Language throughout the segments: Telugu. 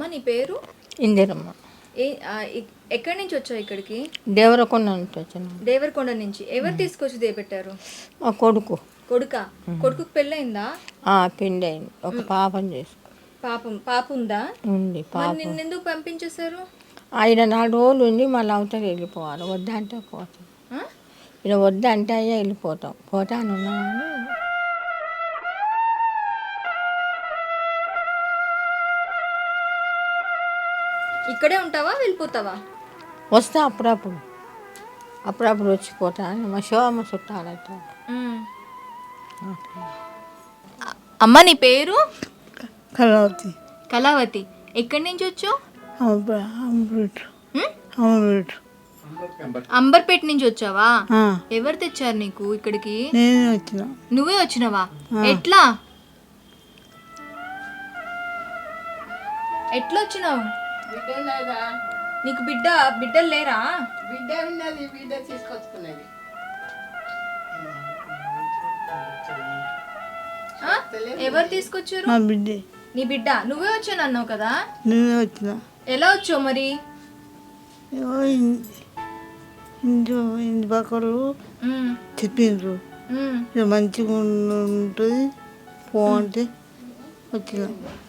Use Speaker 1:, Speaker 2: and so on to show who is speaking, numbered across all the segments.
Speaker 1: అమ్మ నీ పేరు?
Speaker 2: ఇందిరమ్మ.
Speaker 1: ఏ ఎక్కడి నుంచి వచ్చావు ఇక్కడికి?
Speaker 2: దేవరకొండ నుంచి వచ్చిన.
Speaker 1: దేవరకొండ నుంచి. ఎవరు తీసుకొచ్చి దేపెట్టారు?
Speaker 2: మా కొడుకు.
Speaker 1: కొడుకా? కొడుకుకి పెళ్ళయిందా?
Speaker 2: పెళ్ళి అయింది. ఒక పాపని చేసుకో.
Speaker 1: పాప ఉందా?
Speaker 2: ఉంది పాప.
Speaker 1: నిన్నెందుకు పంపించేశారు?
Speaker 2: ఆయన 4 రోజులు ఉండి మళ్ళీ అవతల వెళ్ళిపోవాలి. వద్దంటే పోతాం. ఇలా వద్దంటే అయ్యా వెళ్ళిపోతాం. పోతాను ఉన్నామని.
Speaker 1: ఇక్కడే ఉంటావా వెళ్ళిపోతావా?
Speaker 2: వస్తా అప్పుడప్పుడు వచ్చిపోతాను. మా శోభమ్మ చుట్టాలతో.
Speaker 1: అమ్మ నీ పేరు?
Speaker 3: కళావతి.
Speaker 1: కళావతి. ఎక్కడి నుంచి వచ్చావు? అంబర్పేట నుంచి వచ్చావా? ఎవరు తెచ్చారు నీకు ఇక్కడికి?
Speaker 3: నేనే వచ్చిన.
Speaker 1: నువ్వే వచ్చినావా? ఎట్లా వచ్చినావు? నీకు బిడ్డలు లేరా?
Speaker 4: బిడ్డ ఉన్నది, బిడ్డ తీసుకొచ్చుకున్నది.
Speaker 1: ఎవరు తీసుకొచ్చారు?
Speaker 3: మా బిడ్డే.
Speaker 1: నీ బిడ్డ. నువ్వే వచ్చాను అన్నావు కదా?
Speaker 3: నేనే వచ్చిన.
Speaker 1: ఎలా వచ్చావు మరి?
Speaker 3: ఇంటి పక్కలు చెప్పిండ్రు మంచిగా ఉంటుంది పో అంటే వచ్చిన.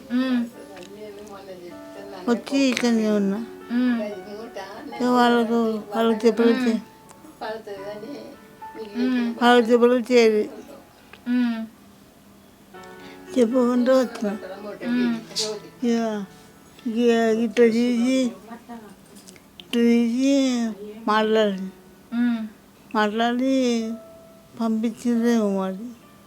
Speaker 3: వచ్చి ఇక్కడనే ఉన్నా. వాళ్ళకి చెప్పలు చేరి చెప్పకుండా వచ్చిన. ఇట్లా తీసి మాట్లాడి పంపించిందేమో మరి.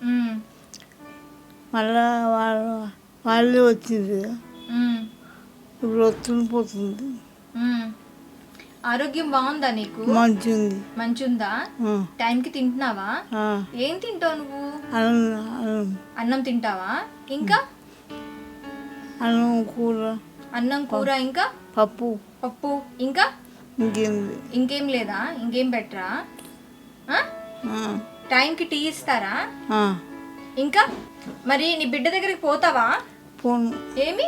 Speaker 3: మళ్ళా వాళ్ళే వచ్చింది. ఇప్పుడు వస్తుంది పోతుంది.
Speaker 1: ఆరోగ్యం బాగుందా నీకు? మంచిగుందా? టైంకి తింటున్నావా? ఏం తింటావు నువ్వు? అన్నం తింటావా? ఇంకా అన్నం కూర ఇంకా పప్పు ఇంకా ఇంకేం లేదా? ఇంకేం బెటరా? టైంకి టీ ఇస్తారా? ఇంకా మరి నీ బిడ్డ దగ్గరికి పోతావా? ఏమి?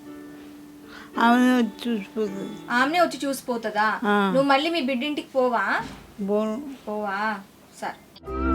Speaker 1: ఆమెనే వచ్చి చూసిపోతుందా? నువ్వు మళ్ళీ మీ బిడ్డింటికి పోవా? సరే.